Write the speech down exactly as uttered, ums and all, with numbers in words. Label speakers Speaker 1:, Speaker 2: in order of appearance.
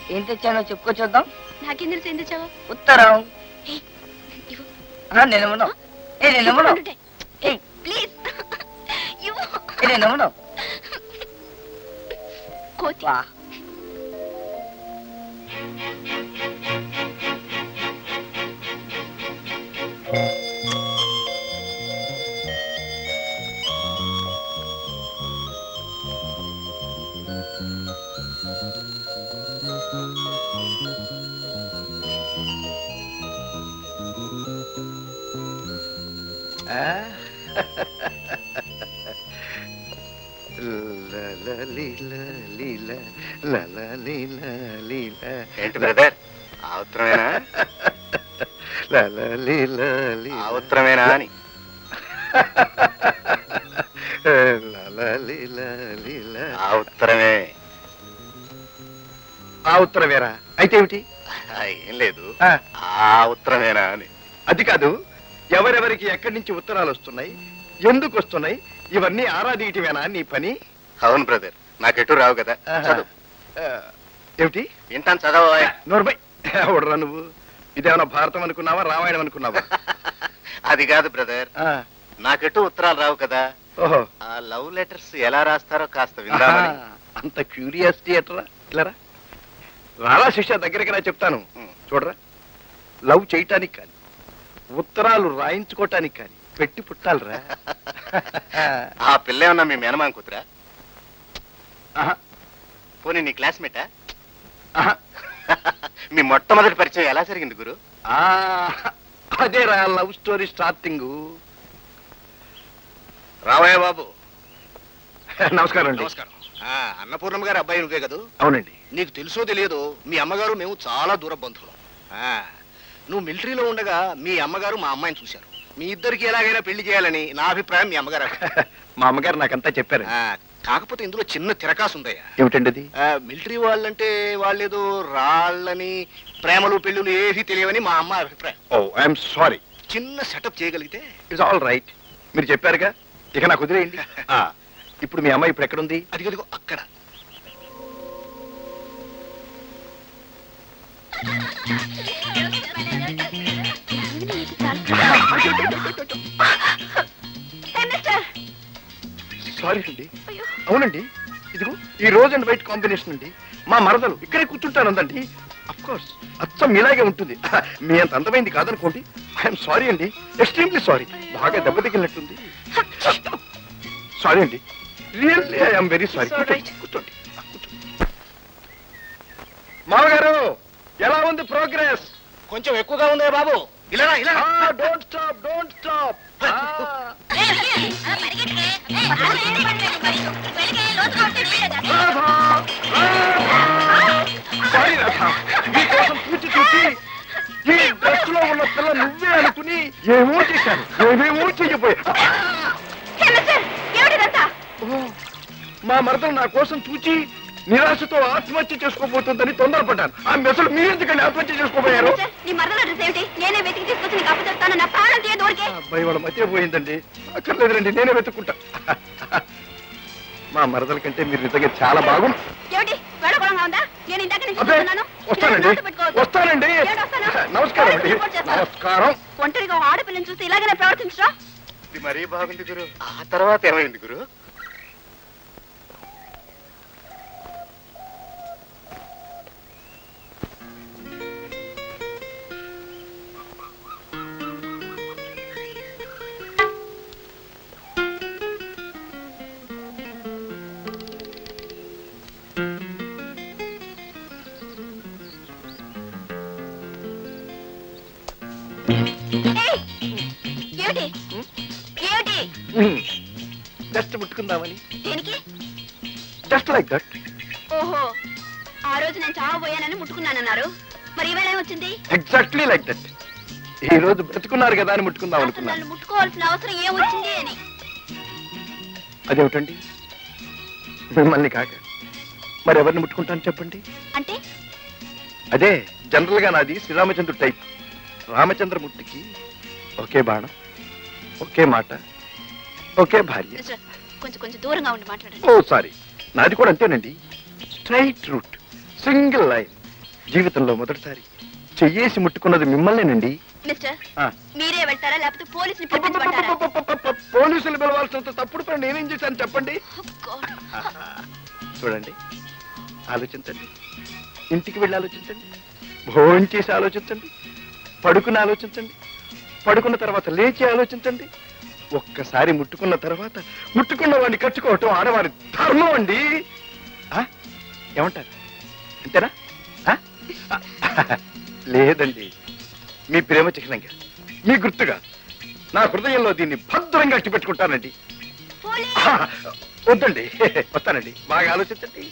Speaker 1: ఏం తెచ్చానో చెప్పుకో చూద్దాం.
Speaker 2: నాకేం తెలుసు ఏం తెచ్చావో?
Speaker 1: ఉత్తరం. నేనేమన్నా ఏ నేనేమన్నా
Speaker 2: ప్లీజ్
Speaker 1: నేనేమన్నా
Speaker 2: కోతి.
Speaker 3: ఏంటి బ్రదర్, ఆ ఉత్తరమేనా? ఆ ఉత్తరమేనా అని. ఆ ఉత్తరమే.
Speaker 4: ఆ ఉత్తరమేరా? అయితే ఏమిటి?
Speaker 3: ఏం లేదు, ఆ ఉత్తరమేనా అని.
Speaker 4: అది కాదు, ఎవరెవరికి ఎక్కడి నుంచి ఉత్తరాలు వస్తున్నాయి, ఎందుకు వస్తున్నాయి, ఇవన్నీ ఆరాధీయటమేనా నీ పని?
Speaker 3: అవును బ్రదర్, నాకెటు రావు కదా.
Speaker 4: ఏమిటి
Speaker 3: వింటాను, చదవ.
Speaker 4: నోర్మై ఎవడరా నువ్వు? ఇదేమన్నా భారతం అనుకున్నావా, రామాయణం అనుకున్నావా?
Speaker 3: అది కాదు బ్రదర్, నాకెటు ఉత్తరాలు రావు కదా.
Speaker 4: ఓహో,
Speaker 3: ఆ లవ్ లెటర్స్ ఎలా రాస్తారో కాస్త విందామని.
Speaker 4: అంత క్యూరియాసిటీ ఎట్రా? ఇలారా రారా శిష్య, దగ్గరికి రా చెప్తాను. చూడరా, లవ్ చేయటానికి కానీ ఉత్తరాలు రాయించుకోవటానికి కానీ పెట్టి పుట్టాలరా.
Speaker 3: ఆ పిల్ల ఏమన్నా మీ మేనమామ కూతురా? పోనీ నీ క్లాస్మేటా? మీ మొట్టమొదటి పరిచయం ఎలా జరిగింది గురు?
Speaker 4: అదేరా లవ్ స్టోరీ స్టార్టింగ్.
Speaker 3: రావయ్య బాబు.
Speaker 4: నమస్కారం అండి.
Speaker 3: నమస్కారం. అన్నపూర్ణమ్మ గారు అబ్బాయి నువ్వే కదా?
Speaker 4: అవునండి.
Speaker 3: నీకు తెలుసో తెలియదో మీ అమ్మగారు మేము చాలా దూర బంధువులు. నువ్వు మిలిటరీలో ఉండగా మీ అమ్మగారు మా అమ్మాయిని చూశారు. మీ ఇద్దరికి ఎలాగైనా పెళ్లి చేయాలని నా అభిప్రాయం. మీ అమ్మగారు
Speaker 4: మా అమ్మగారు నాకంతా చెప్పారు.
Speaker 3: కాకపోతే ఇందులో చిన్న తిరకాసు ఉందయ్యా.
Speaker 4: ఏమిటండి అది?
Speaker 3: మిలిటరీ వాళ్ళంటే వాళ్ళేదో రాళ్ళని ప్రేమలు పెళ్ళులు ఏవి తెలియవని మా అమ్మ అభిప్రాయం.
Speaker 4: Oh I'm sorry.
Speaker 3: చిన్న సెటప్ చేయగలిగితే
Speaker 4: ఇట్స్ ఆల్ రైట్. మీరు చెప్పారుగా, ఇక నాకు వదిలేయండి. ఇప్పుడు మీ అమ్మాయి ఇప్పుడు ఎక్కడుంది?
Speaker 3: అది కదిగో అక్కడ.
Speaker 4: సారీ అండి. అవునండి, ఇదిగో ఈ రోజ్ అండ్ వైట్ కాంబినేషన్ అండి. మా మరదలు ఇక్కడే కూర్చుంటానందండి. అఫ్ కోర్స్ అచ్చం మీలాగే ఉంటుంది. మీ అంత అందమైంది కాదనుకోండి. ఐఎమ్ సారీ అండి, ఎక్స్ట్రీమ్లీ సారీ. బాగా దెబ్బ తగిలినట్టుంది. సారీ అండి, రియల్లీ ఐఎమ్ వెరీ సారీ. కూర్చోండి. మామగారు, ఎలా ఉంది ప్రోగ్రెస్?
Speaker 3: కొంచెం ఎక్కువగా ఉందే బాబు. ఇలా ఇలా.
Speaker 4: Don't stop, don't stop. Sorry Radha, మీకోసం పూచి చూసి ఈ డ్రెస్ లో ఉన్న పిల్ల నువ్వే అనుకుని ఏమో చేశాను, ఏమేమో చెయ్యబోయా. మా మరదలు నా కోసం చూచి నిరాశతో ఆత్మహత్య చేసుకోబోతుందని తొందరపడ్డాను. ఆ మెసలు మీరు ఎందుకని ఆత్మహత్య చేసుకోబోయారు? అబ్బాయి వాళ్ళ మధ్య పోయిందండి. అక్కర్లేదురండి, నేనే వెతుక్కుంటా. మా మరదల కంటే మీరు నిజంగా చాలా బాగుంది. వస్తానండి, వస్తానండి. నమస్కారం అండి. నమస్కారం.
Speaker 2: ఒంటరిగా ఆడపిల్లని చూసి ఇలాగనే ప్రవర్తించరా?
Speaker 3: ఇది మరీ బాగుంది గురు. ఆ తర్వాత ఏమైంది గురు?
Speaker 4: జస్ట్ ముట్టుకుందామని.
Speaker 2: దేనికి?
Speaker 4: Just like that.
Speaker 2: ఓహో, ఆ రోజు నేను చావబోయానని ముట్టుకున్నానన్నారు, మరి ఈవేళ ఏమొచ్చింది?
Speaker 4: Exactly like that. ఈ రోజు బ్రతుకున్నారు కదా అని ముట్టుకుందాం అనుకున్నాను.
Speaker 2: ముట్టుకోవాల్సిన అవసరం ఏమొచ్చింది అని.
Speaker 4: అదేమిటండి, మిమ్మల్ని కాక మరి ఎవరిని ముట్టుకుంటాను చెప్పండి?
Speaker 2: అంటే
Speaker 4: అదే జనరల్ గా నాది శ్రీరామచంద్రుడు టైప్. రామచంద్రమూర్తికి ఒకే బాణం, ఒకే మాట, ఒకే భార్య.
Speaker 2: కొంచెం కొంచెం దూరంగా ఉండి మాట్లాడండి.
Speaker 4: ఓ సారీ, నాది కూడా అంతేనండి. స్ట్రైట్ రూట్, సింగిల్ లైన్, జీవితంలో మొదటిసారి చెయ్యేసి ముట్టుకున్నది మిమ్మల్నేనండి.
Speaker 2: మిస్టర్
Speaker 4: ఆ.
Speaker 2: మీరే వెళ్తారా లేకపోతే పోలీసుని పిలిపించమంటారా?
Speaker 4: పోలీసులు పిలవాల్సినంత తప్పుడు పని నేనేం చేశాను చెప్పండి.
Speaker 2: Oh, God.
Speaker 4: చూడండి, ఆలోచించండి, ఇంటికి వెళ్ళి ఆలోచించండి, భోజనం చేసి ఆలోచించండి, పడుకుని ఆలోచించండి, పడుకున్న తర్వాత లేచి ఆలోచించండి. ఒక్కసారి ముట్టుకున్న తర్వాత ముట్టుకున్న వాడిని కట్టుకోవటం ఆడవారి ధర్మం అండి. ఆ? ఏమంటారు? అంతేనా? ఆ? లేదండి, మీ ప్రేమ చిహ్నంగా, మీ గుర్తుగా నా హృదయంలో దీన్ని భద్రంగా అట్టి పెట్టుకుంటానండి.
Speaker 2: పోలీస్!
Speaker 4: వద్దండి, వస్తానండి, బాగా ఆలోచించండి.